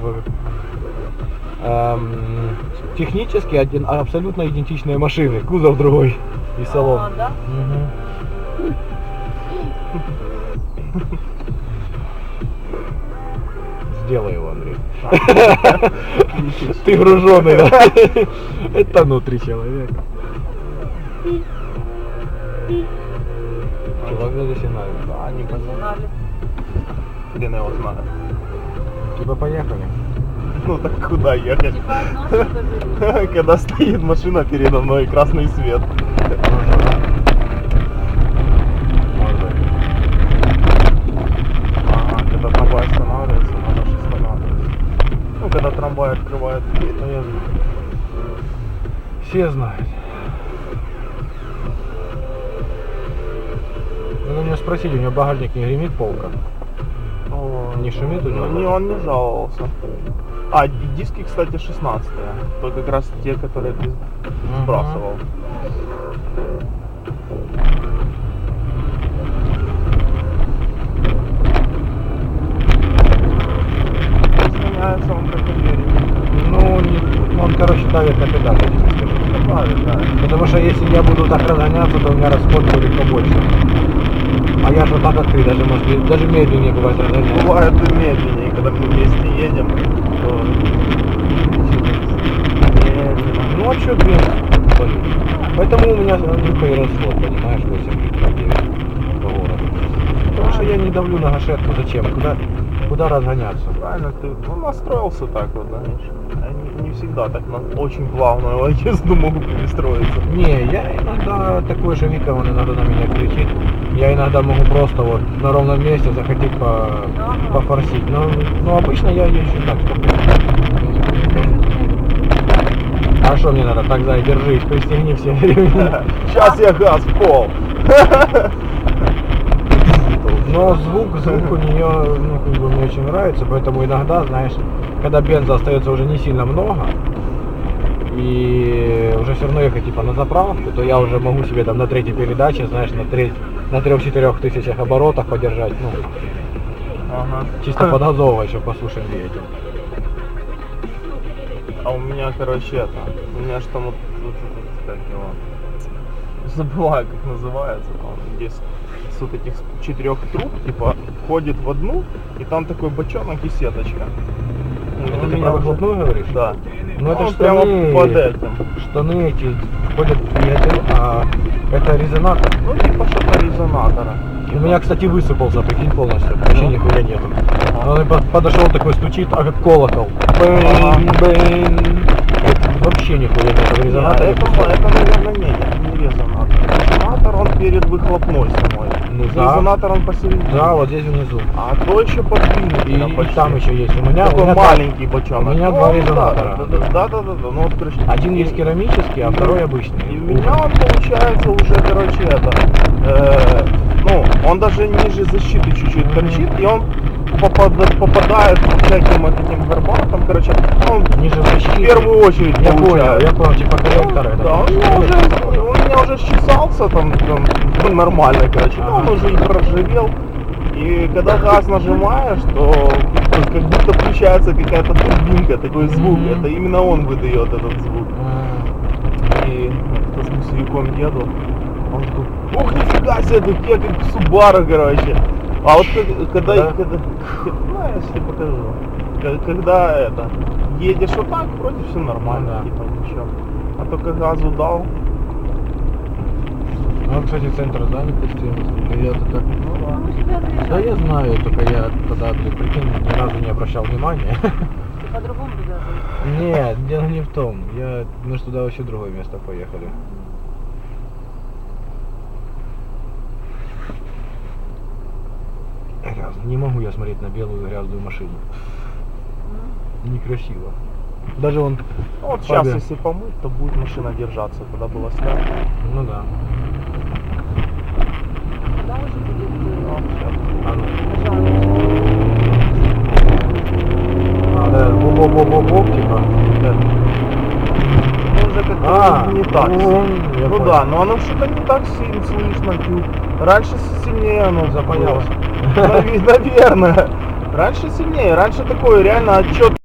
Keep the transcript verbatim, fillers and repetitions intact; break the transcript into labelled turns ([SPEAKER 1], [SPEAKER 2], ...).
[SPEAKER 1] эм, технически один, абсолютно идентичные машины, кузов другой и салон.
[SPEAKER 2] А, да?
[SPEAKER 1] Угу. Сделай его, Андрей. Ты груженый, да? Это внутри человек. Чувак за сигналит.
[SPEAKER 3] Да, не понял.
[SPEAKER 2] Знали.
[SPEAKER 3] Хрен его знает.
[SPEAKER 1] Типа поехали.
[SPEAKER 3] Ну так куда ехать?
[SPEAKER 2] Типа одно что-то же.
[SPEAKER 3] Когда стоит машина передо мной, красный свет. Ага, когда трамвай останавливается, надо же останавливаться. Ну, когда трамвай открывает дверь, то я вижу.
[SPEAKER 1] Все знают. Надо у него спросить, у него багажник не гремит полка?
[SPEAKER 3] О,
[SPEAKER 1] Не шумит у него?
[SPEAKER 3] Ну, не, он не жаловался. А, ди- диски, кстати, шестнадцатые. То как раз те, которые ты сбрасывал. Разгоняется он как уверен.
[SPEAKER 1] Ну, не- он, короче, давит на педаль, я тебе скажу.
[SPEAKER 3] Добавит, да.
[SPEAKER 1] Потому что если я буду так разгоняться, то у меня расход будет побольше. А я же так, как ты, даже, может, и- даже медленнее бывает разгоняться.
[SPEAKER 3] Бывает и медленнее, когда мы вместе едем, то медленно.
[SPEAKER 1] Ну а что блин? Поэтому у меня только и расход, понимаешь, восемь литров девять по городу. Потому что я не давлю на гашетку, зачем? Куда, куда разгоняться?
[SPEAKER 3] Правильно, ты ну, настроился так вот, знаешь. Я не, не всегда так на очень плавную езду могу перестроиться.
[SPEAKER 1] Не, я иногда такой же Вика, он иногда на меня кричит. Я иногда могу просто вот на ровном месте захотеть по, пофорсить. Но, но обычно я езжу так спокойно. А что мне надо? Так, зай, держись, пристегни все ремни.
[SPEAKER 3] Сейчас я газ в пол.
[SPEAKER 1] Но звук, звук у нее, ну, как бы мне очень нравится, поэтому иногда, знаешь, когда бенза остается уже не сильно много, и уже все равно ехать типа на заправку, то я уже могу себе там на третьей передаче, знаешь, на, треть, на трех-четырех тысячах оборотах подержать, ну,
[SPEAKER 3] Ага.
[SPEAKER 1] чисто подгазовывать, чтобы послушать двигатель.
[SPEAKER 3] А у меня, короче, это, у меня что вот, вот, вот, как его, забываю, как называется, там, где с, с вот этих четырех труб, типа, входит в одну, и там такой бочонок и сеточка. Ну,
[SPEAKER 1] Это
[SPEAKER 3] это
[SPEAKER 1] ты меня
[SPEAKER 3] правда?
[SPEAKER 1] выхлопную говоришь?
[SPEAKER 3] Да.
[SPEAKER 1] Ну это
[SPEAKER 3] Он
[SPEAKER 1] штаны,
[SPEAKER 3] прямо под этим.
[SPEAKER 1] штаны эти входят в двигатель, а это резонатор.
[SPEAKER 3] Ну, типа что-то резонатора.
[SPEAKER 1] У меня, кстати, высыпался, прикинь, полностью, вообще
[SPEAKER 3] Ну.
[SPEAKER 1] нихуя нету.
[SPEAKER 3] Ага.
[SPEAKER 1] Он по- подошел такой, стучит, а как колокол.
[SPEAKER 3] Ага.
[SPEAKER 1] Бэнь, бэнь. Вообще нихуя нету в
[SPEAKER 3] Нет,
[SPEAKER 1] резонаторе.
[SPEAKER 3] это, это, наверное, нет, это не резонатор. Резонатор он перед выхлопной самой.
[SPEAKER 1] Ну да.
[SPEAKER 3] Резонатор он посередине.
[SPEAKER 1] Да, вот здесь внизу.
[SPEAKER 3] А то еще под
[SPEAKER 1] И,
[SPEAKER 3] двигателем
[SPEAKER 1] и
[SPEAKER 3] почти.
[SPEAKER 1] там еще есть. У меня, у
[SPEAKER 3] Такой
[SPEAKER 1] меня
[SPEAKER 3] маленький бочонок.
[SPEAKER 1] у меня
[SPEAKER 3] Ну,
[SPEAKER 1] два
[SPEAKER 3] да,
[SPEAKER 1] резонатора.
[SPEAKER 3] Да, да, да, да, да, да. Ну вот, короче.
[SPEAKER 1] один есть керамический, а второй обычный.
[SPEAKER 3] И у меня он получается уже, короче, это, э, ну, он даже ниже защиты чуть-чуть торчит, и он попад- попадает по всяким вот этим горбатам, короче, он
[SPEAKER 1] Ниже
[SPEAKER 3] в
[SPEAKER 1] защиты.
[SPEAKER 3] первую очередь
[SPEAKER 1] Я понял,
[SPEAKER 3] получает.
[SPEAKER 1] я понял, типа коллектор это.
[SPEAKER 3] Да, он у меня уже, он у меня уже счесался там, там ну, нормально, короче, но он
[SPEAKER 1] Ага.
[SPEAKER 3] уже и проржавел. И когда газ нажимаешь, то как будто включается какая-то турбинка, такой звук.
[SPEAKER 1] Мгм.
[SPEAKER 3] Это именно он выдает этот звук.
[SPEAKER 1] А,
[SPEAKER 3] И с мусориком еду, он такой, ух, нифига себе, тут я как Субару, короче. А вот как- когда,
[SPEAKER 1] Да?
[SPEAKER 3] когда, ну, я тебе покажу. К- Когда это, едешь вот так, вроде все нормально,
[SPEAKER 1] Ну да.
[SPEAKER 3] типа ничего. А только газу дал,
[SPEAKER 1] Ну, кстати, центр занят почти. Я-то так.
[SPEAKER 3] ну да.
[SPEAKER 2] Ну, себя
[SPEAKER 1] Да
[SPEAKER 2] заезжал.
[SPEAKER 1] я знаю, только я тогда, блин, прикинь, ни разу не обращал внимания.
[SPEAKER 2] Ты по-другому туда заезжал.
[SPEAKER 1] Нет, дело не в том. Я, мы же туда вообще в другое место поехали. Грязно. Не могу я смотреть на белую грязную машину. Некрасиво. Даже он...
[SPEAKER 3] Ну, вот сейчас,
[SPEAKER 1] Фабия.
[SPEAKER 3] если помыть, то будет машина держаться, когда было снято.
[SPEAKER 1] Ну да.
[SPEAKER 2] Когда уже будет
[SPEAKER 3] Ну,
[SPEAKER 2] э,
[SPEAKER 3] сейчас.
[SPEAKER 1] А, ну.
[SPEAKER 2] пожарный?
[SPEAKER 1] А, да, боп-боп-боп-боп, типа.
[SPEAKER 3] Ну, уже как-то
[SPEAKER 1] А,
[SPEAKER 3] не так.
[SPEAKER 1] ну,
[SPEAKER 3] сильно.
[SPEAKER 1] я
[SPEAKER 3] Ну
[SPEAKER 1] понял.
[SPEAKER 3] да, но оно что-то не так сильно слышно. тю. Раньше сильнее оно
[SPEAKER 1] Запаялось.
[SPEAKER 3] было. Наве- Наверное. Раньше сильнее. Раньше такое реально отчет.